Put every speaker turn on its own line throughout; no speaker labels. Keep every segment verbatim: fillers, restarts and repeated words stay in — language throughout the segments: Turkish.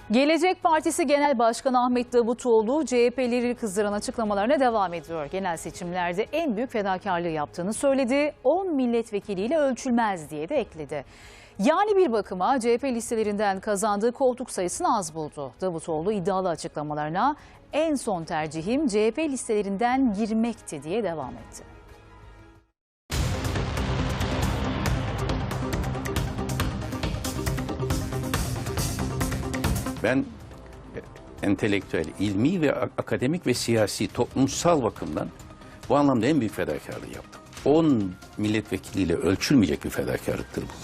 Gelecek Partisi Genel Başkanı Ahmet Davutoğlu C H P'leri kızdıran açıklamalarına devam ediyor. Genel seçimlerde en büyük fedakarlığı yaptığını söyledi. on milletvekiliyle ölçülmez diye de ekledi. Yani bir bakıma C H P listelerinden kazandığı koltuk sayısını az buldu. Davutoğlu iddialı açıklamalarına en son tercihim C H P listelerinden girmekti diye devam etti.
Ben entelektüel, ilmi ve akademik ve siyasi, toplumsal bakımdan bu anlamda en büyük fedakarlığı yaptım. on milletvekiliyle ölçülmeyecek bir fedakarlıktır bu.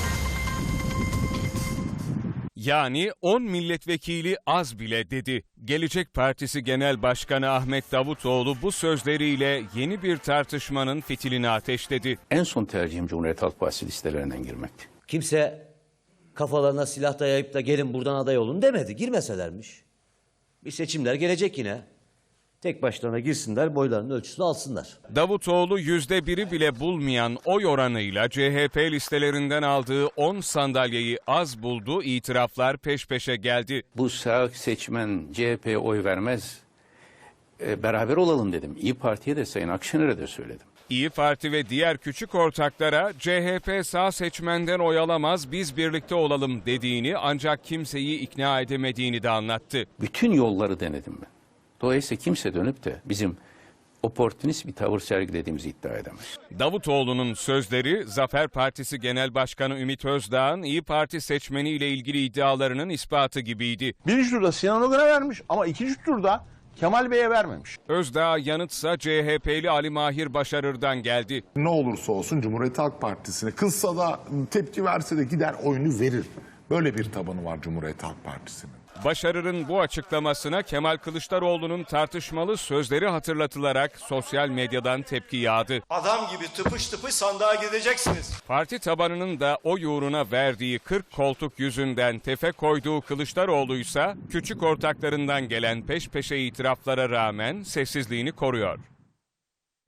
Yani on milletvekili az bile dedi. Gelecek Partisi Genel Başkanı Ahmet Davutoğlu bu sözleriyle yeni bir tartışmanın fitilini ateşledi.
En son tercihim Cumhuriyet Halk Partisi listelerinden girmekti.
Kimse kafalarına silah dayayıp da gelin buradan aday olun demedi. Girmeselermiş. Bir seçimler gelecek yine. Tek başlarına girsinler, boylarının ölçüsünü alsınlar.
Davutoğlu yüzde biri bile bulmayan oy oranıyla C H P listelerinden aldığı on sandalyeyi az buldu, itiraflar peş peşe geldi.
Bu sağ seçmen C H P'ye oy vermez, e, beraber olalım dedim. İYİ Parti'ye de Sayın Akşener'e de söyledim.
İYİ Parti ve diğer küçük ortaklara C H P sağ seçmenden oy alamaz, biz birlikte olalım dediğini, ancak kimseyi ikna edemediğini de anlattı.
Bütün yolları denedim ben. Dolayısıyla kimse dönüp de bizim oportunist bir tavır sergilediğimizi iddia edemez.
Davutoğlu'nun sözleri, Zafer Partisi Genel Başkanı Ümit Özdağ'ın İYİ Parti seçmeniyle ilgili iddialarının ispatı gibiydi.
Birinci turda Sinan Ogun'a vermiş ama ikinci turda Kemal Bey'e vermemiş.
Özdağ yanıtsa C H P'li Ali Mahir Başarır'dan geldi.
Ne olursa olsun Cumhuriyet Halk Partisi'ne kızsa da tepki verse de gider oyunu verir. Böyle bir tabanı var Cumhuriyet Halk Partisi'nin.
Başarır'ın bu açıklamasına Kemal Kılıçdaroğlu'nun tartışmalı sözleri hatırlatılarak sosyal medyadan tepki yağdı.
Adam gibi tıpış tıpış sandığa gideceksiniz.
Parti tabanının da oy uğruna verdiği kırk koltuk yüzünden tefe koyduğu Kılıçdaroğlu'ysa küçük ortaklarından gelen peş peşe itiraflara rağmen sessizliğini koruyor.